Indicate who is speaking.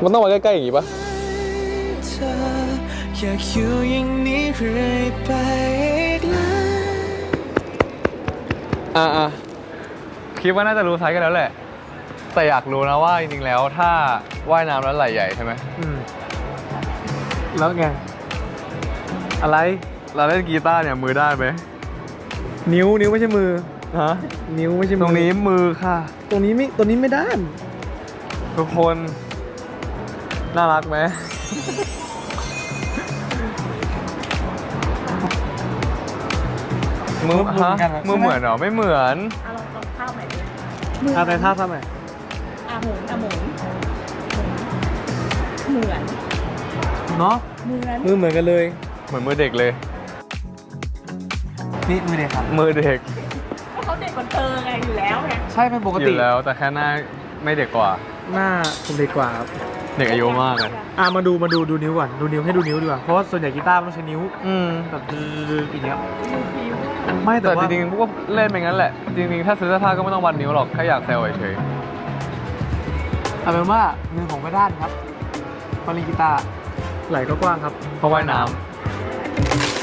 Speaker 1: มันต้องมาใกล้ๆอย่างงี้ปะ
Speaker 2: อยากอยู่อย่างนี้เรื่อยไป
Speaker 1: คิดว่าน่าจะรู้ไซส์กันแล้วแหละแต่อยากรู้นะว่าจริงๆแล้วถ้าว่ายน้ำแล้วไหล่ใหญ่ใช่ไหม
Speaker 3: แล้วไงอะไร
Speaker 1: เราเล่นกีตาร์เนี่ยมือด้านไหม
Speaker 3: นิ้วไม่ใช่มือ
Speaker 1: ฮะ
Speaker 3: นิ้วไม่ใช่มือ
Speaker 1: ตรงนี้มือค่ะ
Speaker 3: ตรงนี้ไม่ด้าน
Speaker 1: ทุกคนน่ารักไหม มือฮะมือเหมือนเหรอไม่เหมือน
Speaker 4: ลองข้าวใหม่ดิ
Speaker 3: อะไรท่าทำไม
Speaker 4: หมุนหมุนเหมือน
Speaker 3: เนาะ
Speaker 4: เหมือน
Speaker 3: มือเหมือนกันเลย
Speaker 1: เหมือนมือเด็กเลย
Speaker 3: นี่มือเด็กครับ
Speaker 1: มือเด็ก
Speaker 4: เขาเด็กกว่าเธอไงอยู่แล้วไง
Speaker 3: ใช่เป็นปก
Speaker 1: อ
Speaker 3: ติ
Speaker 1: ยู่แล้วแต่แค่หน้าไม่เด็กกว่า
Speaker 3: หน้าผมเด็กกว่าครับ
Speaker 1: เด็กอายุมากเลย
Speaker 3: มาดูนิ้วก่อนดูนิ้วให้ดูนิ้วดีกว่าเพราะว่าส่วนใหญ่กีตาร์มันต้องใช้นิ้วแบบอย่างเงี้ยไม่แต่
Speaker 1: แต่
Speaker 3: ว่า
Speaker 1: จริงๆพวกก็เล่นไปงั้นแหละ จริงๆถ้าซื้อเสื้อผ้าก็ไม่ต้องวัดนิ้วหรอกแค่อยากแซวเฉย
Speaker 3: เอาเป็นว่ามือผมก็ด้านครับมาเล่นกีตาร์ไหล่ก็กว้างครับ
Speaker 1: ๆเพราะว่ายน้ำ